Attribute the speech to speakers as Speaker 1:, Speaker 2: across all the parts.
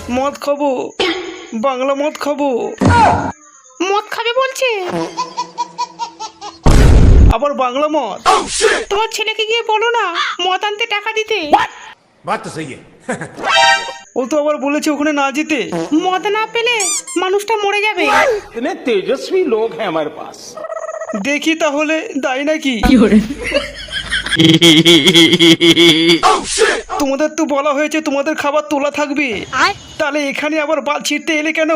Speaker 1: মদ খাবো, বাংলা মদ খাবো।
Speaker 2: মদ খাবে বলছে?
Speaker 1: আবার বাংলা মদ?
Speaker 2: তোমার ছেলেকে গিয়ে বলো না মদ আনতে টাকা দিতে।
Speaker 3: बात तो सही है।
Speaker 1: ও তো আবার বলেছে ওখানে না যেতে।
Speaker 2: মদ না পেলে মানুষটা মরে যাবে।
Speaker 4: इतने तेजस्वी लोग हैं हमारे पास।
Speaker 1: দেখি তাহলে দায় নাকি। তোমাদের তো বলা হয়েছে তোমাদের খাবার তোলা থাকবে, তাহলে এখানে আবার বাল ছিঁড়তে এলে কেন?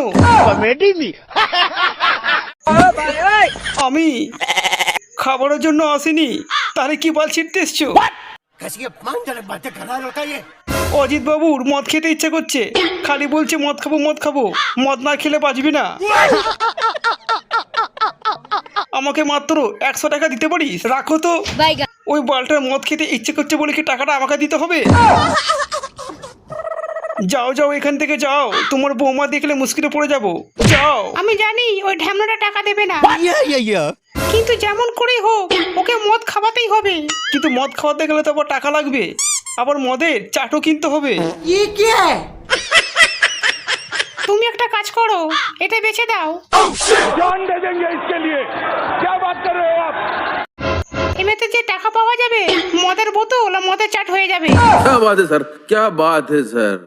Speaker 1: আমি খাবারের জন্য আসিনি, তাহলে কি বাল ছিঁড়তে এসছো? অজিত বাবুর মদ খেতে ইচ্ছে করছে, খালি বলছে মদ খাবো মদ খাবো, মদ না খেলে বাঁচবি না। আমাকে মাত্র 100 টাকা দিতে পারিস? রাখো তো। ওই বালটার মদ খেতে ইচ্ছে করছে বলে কি টাকাটা আমাকে দিতে হবে? যাও যাও এখান থেকে যাও, তোমার বৌমা দেখলে মুশকিলে পড়ে যাবো। যাও।
Speaker 2: আমি জানি ওই ঢ্যামনাটা টাকা দেবে না, কিন্তু যেমন করেই হোক ওকে মদ খাওয়াতেই হবে।
Speaker 1: কিন্তু মদ খাওয়াতে গেলে তো আবার টাকা লাগবে, আবার মদের চাটও কিনতে হবে।
Speaker 2: তুমি একটা কাজ করো, এটা বেচে দাও।
Speaker 4: जान दे देंगे इसके लिए। क्या बात कर रहे हो आप?
Speaker 2: এমনিতে যে টাকা পাওয়া যাবে মদের বোতল আর মদের চাট হয়ে যাবে।
Speaker 5: क्या बात है सर, क्या बात है सर।